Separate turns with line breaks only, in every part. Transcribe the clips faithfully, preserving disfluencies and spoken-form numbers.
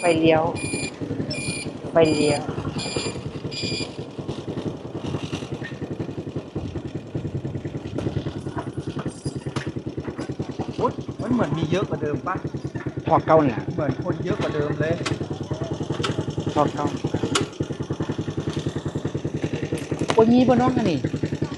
เลี้ยวไฟเลี้ยว
อุ๊ยมันเหมือนมีเยอะกว่าเดิมป่ะ
พอเก่าแหละ
เหมือนคนเยอะกว่าเดิมเลย
พอเก่าโอ้ยมีบ่น้องอันนี้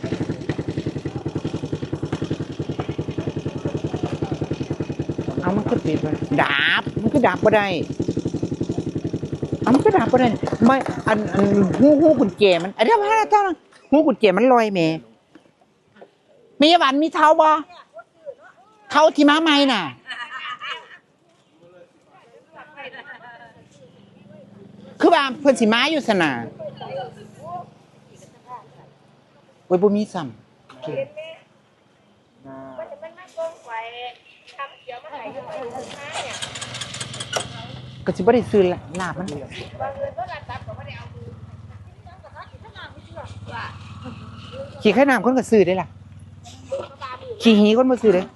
เอามันก็ปิดไปดาบมันก็ดาบบ่ได้เอามันก็ดาบบ่ได้ไม่อันอันหูหูกุญแจมันอันเดียวพาเจ้าหูกุญแจมันลอยแม่มีหวานมีเท้าบ่เท้าที่ม้าไม้น่ะคือว่าเพิ่นสิมาอยู่สนาโอ้ยบ่มีซ้ำก็สิบ่ได้ซื้อลาบมันขี่ไข่น้ำคนก็ซื้อได้ล่ะขี่หีคนบ่ซื้อเด้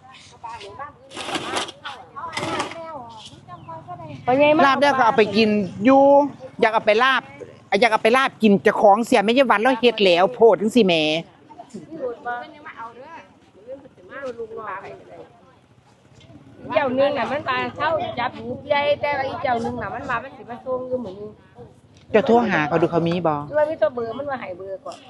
ลาบได้ก็เอาไปกินอยู่อยากเอาไปลาบอยากเอาไปลาบกินเจ้าของเสียไม่ใช่วันแล้วเฮ็ดแล้วโพดจังซี่แหม
เจ้านึงน่ะมันมาเช่าจับหูใหญ่แต่ว่าอีเจ้านึงน่ะมันมามันสิมาส่งอยู่เหมือน
จะโทรหาเขาดูเขามีบ่
ว่ามีตัวเบอร์มันว่าให้เบอร์ก่อน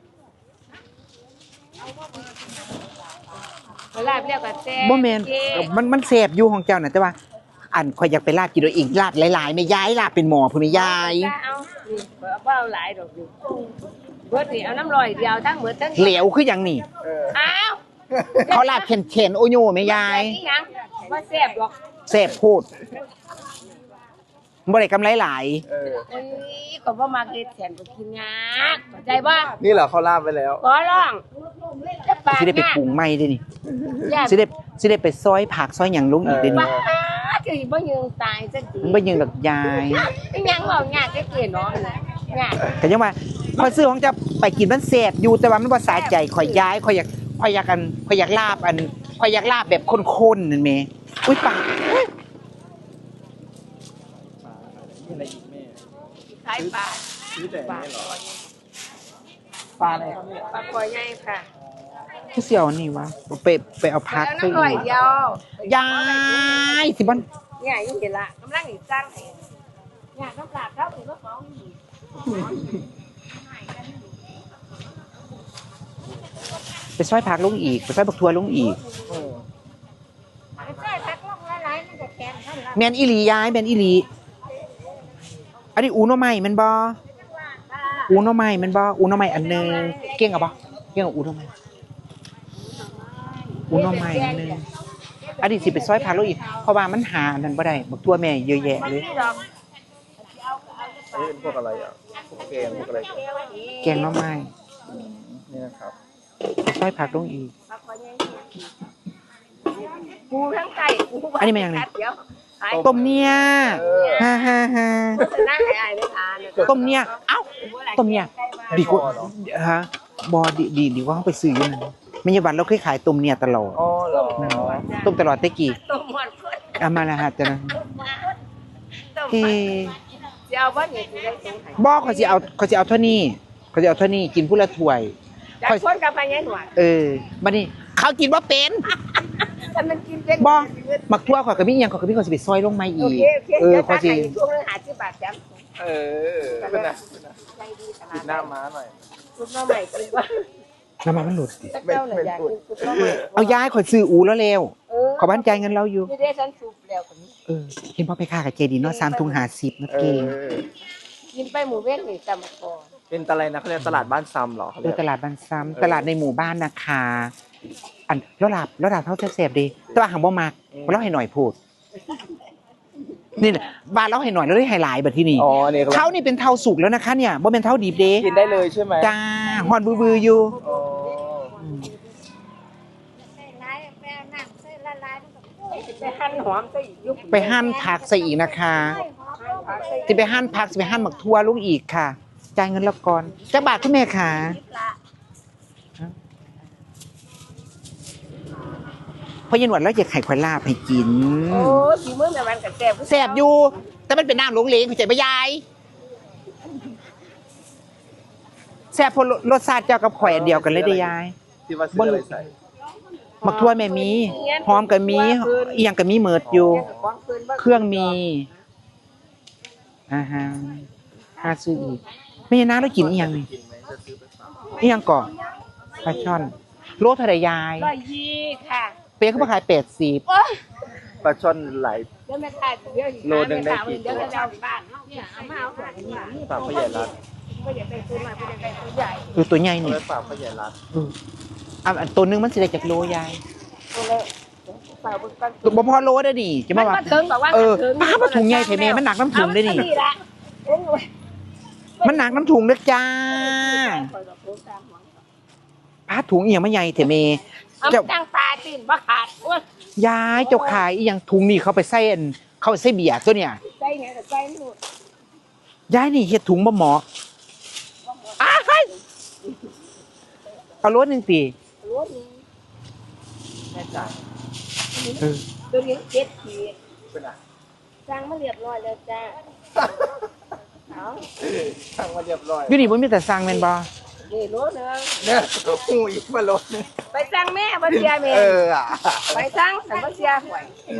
เวลาเรียกว่าแซ่บ
บ่แม่นมันมันแซ่บอยู่ของเจ้าน่ะแต่ว่าอันข่อยอยากไปลาบกินโดยอีกลาบหลายๆแม่ยายลาบเป็นหม้อพุ่นแม่ยาย
เอานี่บ่เอาหลายดอกนี่เบิดนี่เอาน้ำลอยเดียวทั้งหมดทั้ง
เหลวคือหยังนี่
อ้าว
เขาลาบเข็นๆโอโยแม่ยาย
บ่แซ่บหรอก
แซ่บโพดบ่ได้กำไรหลาย
เออเอ้ยก็บ่มักเฮ็ดแทนก็กินยากเข้าใจบ่
นี่เหรอเขาลาบไปแล้ว
ขอร้อง
สิได้ไปปรุงใหม่ด้นี่สิได้สิได้ไปซอยผักซอยหยังลงอีกด้นี่
คือบ่ยืนตายจังซี่
มันบ่ยืนดอกยาย
ยังเว้ายากจังซี่เนาะยาก
ก็ยังว่าข่อยซื้อของจะไปกินมันแซ่บอยู่แต่ว่ามันบ่สาใจข่อยย้ายข่อยอยากข่อยอยากอันข่อยอยากลาบอันข่อยอยากลาบแบบข้นๆนั่นแม่อุ้ยปาก
อะไรอีกแม่
ขายปลา
ซื้อแต่นี่เหรอปลาอะไร
ปลาคอยใหญ่ค่ะ
คือเสี่ยวนี่วะไปไปเอาพัก
น้ำลอยเดียวย
ายสิบ่
เนี่ยอยู่นี่ล่ะกำลังอีสร้างให้เนี่ยน้ำลาบเท่าถึงว่าของนี่
ไปซอยผักลงอีกไปซอยบักทัวลงอีกแมนอีหลีย้ายแมนอีหลีอันนี้อูโนไม้มันบ่อูโนไม้มันบ่อูโนไม้อันนึงเก่งอ่ะบ่เก่งกับอูโนไม้อูโนไม้อันนึงอันนี้สิไปซอยผักลงอีกเพราะว่ามันหาอันนั้นบ่ได้บักทัวแม่เยอะแยะเลย
เอ้ยพวกอะไรอ่ะพวกแกงพวกอะไร
แกงหน่อไม้
นี่นะครับ
ซอยผักลงอีก
ปูทั้งไก่
อันนี้มันยังไงต้มเนี่ยฮ่าฮ่าฮ่าต้มเนี่ยเอ้าต้มเนี่ยดีกว่าฮะบอดีดีดีว่าเขาไปซื้ออยู่นั่นไม่ใช่วันเราเคยขายต้มเนี่ยตลอด
อ๋อเหรอ
ต้มตลอดเตกี้
ต้มหมด
เอามาละฮะจ้ะนะเฮ้
จะเอาบ้านเนี่ยจะได้ตรงไหน
บอกเขาจะเอาเขาจะเอาเท่านี้เขาจะเอาเท่านี้กินผู้ละถ้วย
จากคนกับพญาหนวด
เออบัดนี้เขากินว่าเป็น
แต่มันกินเป็น
บ่มักทั่วข่อยก็มีหยังข่อยก็มีข่อยสิไปซอยลงมาอีก
เออข่อยสิช่วงนึงหาสิบบาทจ้ะ
เออเป็นน่ะใจดีตลาดหน้าม้าหน่อย
ซุปหน่อไม้กินว่า
น้ำมันมันหลุดดิ
ไม่ไม่หลุด
เอาย้ายข่อยซื้ออูแล้วแล้วขอบ้านใจเงินเราอยู่
ไม่ได้ฉันซุปแล้วคนนี้
เออเห็นพ่อไปค่ากับเจดีเนาะสามถุงห้าสิบนะเก่ง
กินไปหมู่เว้นนี่จำก่อน
เป็นอะไรนะเขาเรียกตลาดบ้านซ้ำเหรอ
เออตลาดบ้านซ้ำตลาดในหมู่บ้านนะคะอันแล้วหลับแล้วหลับเท่าแซ่บดีแต่ว่าหางบ่มากเพราะเราให้หน่อยพูดนี่แหละบ้านเราให้หน่อยแล้วได้ไฮไลท์แบบที่นี่เท่านี่เป็นเท่าสุกแล้วนะคะเนี่ยบ่เป็นเท่าดิบเด้
กินได้เลยใช่ไหม
จ้าฮอนบือๆอยู่
ไปหั่นหอมใส่อีก
ไปหั่นผักใส่อีกนะคะจะไปหั่นผักจะไปหั่นหมักทั่วลุงอีกค่ะจ่ายเงินแล้วก่อนจักบาทคุณแม่ค่ะเพราะยันหวดแล้วอยากไข่ควายลาบให้กิน
โอ้ยฝีมือแม่มันก็แซ่บ
แสบอยู่ แต่มันเป็นน้ำหลงเหลงเข้าใจปะยายแสบเพราะรสชาติเจ้ากับข่อยอันเดียวกันเลยเด้อยาย
ที่ว่าซื้ออะไรใส่
มักทั่วแม่มีหอมก็มีอีหยังก็มีเหมิดอยู่ เครื่องมีอ่าฮะค่าซื้ออีกไม่ใช่น้าแล้วกินอีหยังนี่
กินไหมจะซื้อไปฝาก
อีหยังก่อนปลาช่อนโลเท่าไหร่ยาย
ร้อยยี่ค่ะ
เปียกเขามาขายแปดสิบ
โอ้ย
ปลาช่อนหลาย
เดี๋ยวแม่ขายเดี๋ยว
โลนึงได้กี่ตัว
เดี๋ยวจะเอาบ้านเนาะเนี่ยเอามาเอาของนี่
ฝากพ่อใหญ่รัด
ก็อย่าไปซื้อมาเป็นไปตัวใหญ่
เออตัวใหญ่
เอา
นี่
ไว้ฝากพ่อใหญ่รัด
เอออ่ะอันตัวหนึงมันสิได้จากโลยาย
ตัวเล็กฝากเบิ่งก่อน
บ่พอโลได้ดิจะ
มั
มาน ว่า
มาถึงบอกว่า
เออ
ถึง
ป้ามาถุงใหญ่เถอะแม่มันหนักน้ำถุงได้นี่
เอามาละโอ้ย
มันหนักน้ำถุงเด้อจ้าป้าถุงอีหยังมาใหญ่เถอะแม่
เอา
เจ้า
มาตั้งตาตีนบ่ขาดโอ้ย
ยายเจ้าขายอีหยังถุงนี่เขาไปใส่อันเขาไปใส่เบียร์ตัวเนี่ย
ใจเนี่ยแต่ใจไม่หมด
ยายนี่เฮ็ดถุงบ่หมออ้ายเอารถหนึงติ
รู้นี่
แม่จ๋า
เออ
ตัวนี้เจ็ดขีด
เป็นอะ
สร้างมาเรียบร้อยแล้วจ้าเอา
ทางมาเรียบร้อย
อยู่นี่บ่มีแต่สั่งแม่นบ่
นี่รู้เนื้อ
เนี่ยหูอีกมาลด
ไปสร้างแม่บ่เสียแม่
เอออ่ะ
ไปสร้างแต่บ่เสียหวย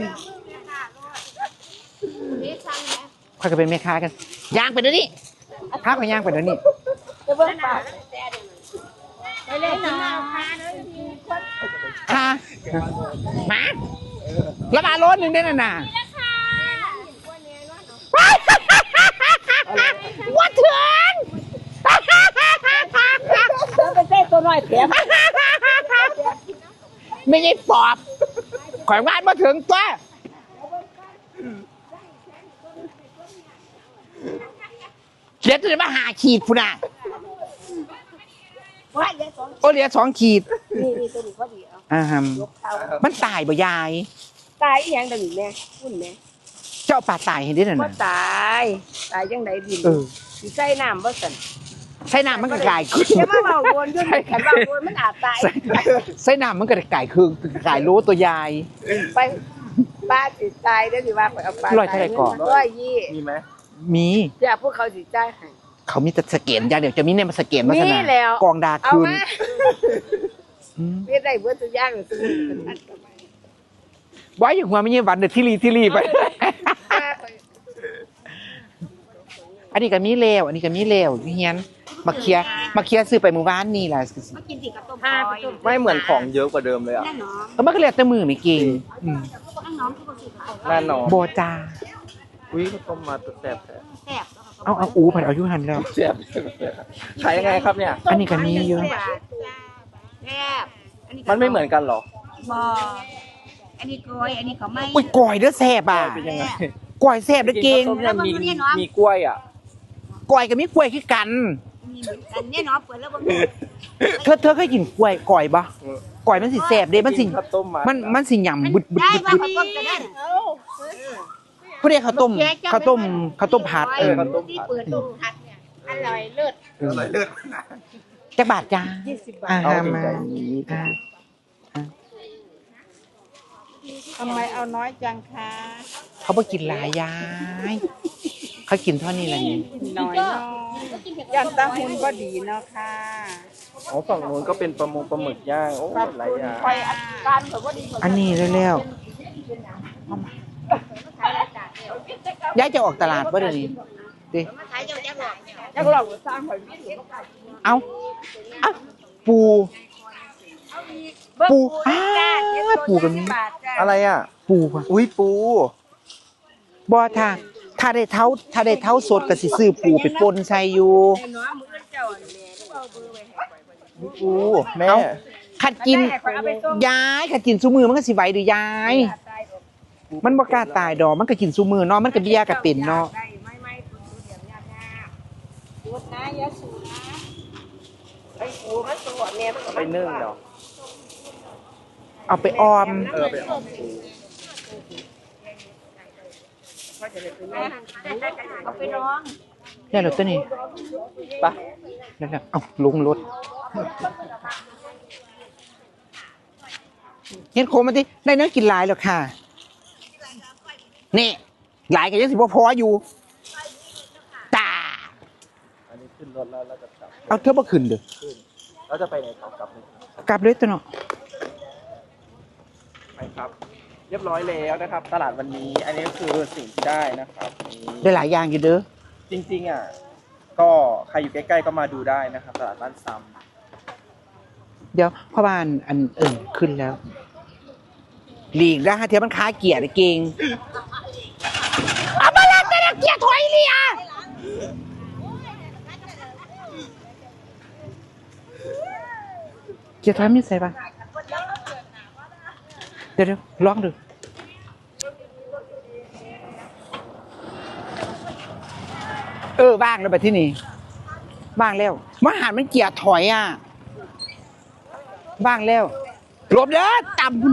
นี่สร้างแม่
ค่อยก็เป็นแม่ค้ากันย่างไปเดี๋ยวนี้พาข่อยย่างไปเดี๋ยวนี้
จะเบิ่งปากไปเล่นน้ำค่ะเด้อ
ค่ะมาแล้วมาโลหนึงได้น่ะน่ะว่าเถื่อน
แล้วไปเต้ตัวน้อยเสีย
ไม่ใช่ปอบข่อยวาดมาถึงตัวเขียนจะมาหาขีดพุ่นน่ะ
ว่าเดี๋ยวสอง
โอเหลียสองขีด
นี่นี่ตัวนี้พอดีเอา
อ่าฮัม
ยกเท้า
มันตายบ่ยาย
ตายอีหยังดังนี้แม่คุณแม่
เจ้าป่าตายเห็นได้น่ะ
บ่
นะ
ตายตายจังไดดิน
เออ
สิใส่น้ำบ่สั่น
ใส่น้ำมันก็กลายขึ้น
อย่ามาเว้าวนอยู่นี่คันเว้าวนมันอาจตาย
ใส่ใส่น้ำมันก็กลายคือกลายรู้ตัวยาย
ไปป้าสิตายเด้อสิว่าไปเอาปลา
ร้อยเท่าไหร่ก่อน
ร้อยยี่
มีไหม
มี
เดี๋ยวพวกเขาสิจ่ายให้
เขามีแต่สเกนอย่างเดียวจะมีเนี่ยมาสเกนมาส
มี
นา
แล้ว
กองดา
เอา
คืน
มา
อืม
เฮ็ดได้เบิดทุกอย่างเลยทุกอันกับไป
ไว้อย่างหัวไม่ใช่วันเดือดที่รีที่รีไป อันนี้ก็มีเลวอันนี้ก็มีเลวเฮียนมาเคลียร์มาเคลียร์ซื้อไปเมื่อวานนี่แหละ
มากินสิกับต้มปลา
ไม่เหมือนของเยอะกว่าเดิมเลยอ่ะ
ก็มันก็เรียกแต่มือไม่เก่งอืม
แน่นอน
โบจา
อุ้ยเขาต้มมาแซ่บแท้
แซ่บ
เอาเอาอูผัดเอายุหันแล้ว
แซ่บขายยังไงครับเนี่ย
อันนี้ก็มีเยอะ
แซ่บอันนี้
มันไม่เหมือนกันเหรอ
บ่อันนี้กล้วยอันนี้ก็ไม่
อุ้ยก่อยเด้อแซ่บอ่ะ
เป็นยังไง
ก่อยแซ่บเด้อเก่ง
กินข้าวต้มยำมีมีกล้วยอ่ะ
ก่อยกับมีกล้วยคือกัน
มีเหมือนกันเนี่ยเนาะเปิดแล้วบ่
เธอเธอเคยกินกล้วยก่อยปะก่อยมันสิแซ่บเด้มันสิ
ข้าวต้มมั
มันมันสิหยำบึดบึด
ได้
บึด
ว่า
บึด
เขาต้มกันได้
เขาเรียกข้าวต้มข้าวต้มข้าวต้มผัดเออ
ที่เปิดต้มผัดเนี่ยอร่อยเลิศ
อร่อยเลิศ
จักบาทจ้า
ยี่สิบบาท
อ่า
เอา
มา
ใจนี้
อ่า
ทำไมเอาน้อยจังคะ
เขาบ่กินหลายยายเขากินเท่านี้แหละนี่
น้อยน้อยยันตาหุ่นก็ดีเนาะค่ะ
อ๋อฝั่งนู้นก็เป็นปลาหมงปลาหมึกย่างโอ้หลายอย่าง
คอยอาการแบบว่าดีกว่า
อันนี้แล้วๆยายจะออกตลาดบ่เดี๋ยวนี้ดิ
ขายเจ้าแจ๊กหลอกแจ๊กหลอกสร้างหอยไม่ถูก
เอาเอาปูปูอ้าปูกันนี้
อะไรอ่ะ
ปูป่ะ
อุ้ยปู
บ่ถ้าถ้าได้เท้าถ้าได้เท้าสดก็สิซื้อปูไปป่นใส่อยู่
น้องมือเจ้าเนี่ยเอาเบอร์ไว้ให้
ปูแม่
เอาขัดกินยายขัดกินซุมือมันก็สิไหวหรือยาย มันบ่กล้าตายดอกมันก็กินซุมือเนาะมันก็เบี้ยก็เป็นเนาะ
ได้ไม่ไม่คุณดูเดี๋ยวยากยากดูนะยาสูนะไอ้ปูมันตัวเนี่ยมัน
ไปนึ่งเนาะ
เอาไปออม
เออไปออกปู
เอาไปร้อง
แล้วเหรอตัวนี้
ปะ
แล้วๆเอ้าลงรถเฮ็ดโคมมาดิได้เนื้อกินหลายแล้วค่ะนี่หลายก็ยังสิบ่พออยู่ตา
อันนี้ขึ้นรถแล้วเราจะกลับ
เอาเธอบ่ขึ้นเด้อ
ขึ้นเราจะไปไหนต่อกลับเลย
กลับเลยตัวเนาะ
ไปครับ เรียบร้อยแล้วนะครับ ตลาดวันนี้ อันนี้คือสิ่งที่ได้นะครับนี่
ได้หลายอย่างอยู่เด้อ
จริงๆอ่ะก็ใครอยู่ใกล้ๆก็มาดูได้นะครับ ตลาดบ้านซ้
เดี๋ยวพ่อบ้านอันเอิ่นขึ้นแล้วหลีกนะฮะเทียมันค้าเกียร์เก่งเอามาแล้วแต่ละเกียร์ถอยเลียเกียร์ถอยมีใส่ปะเดี๋ยวเดี๋ยวลองดูเออบ้างแล้วไปที่นี่บ้างแล้วมาหารมันเกียร์ถอยอ่ะบ้างแล้วหลบเด้อต่ำคุณ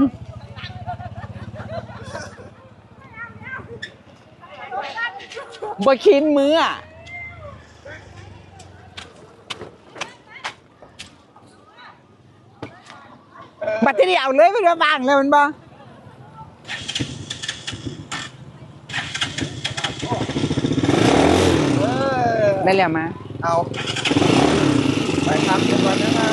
บ่คินมืออ่ะบัตรที่เอาเลยไปเรื่อบ้างแล้วมันบ่ได้แล้วมา
ำเอา ไปครับเดี๋ยวก่อนนะครับ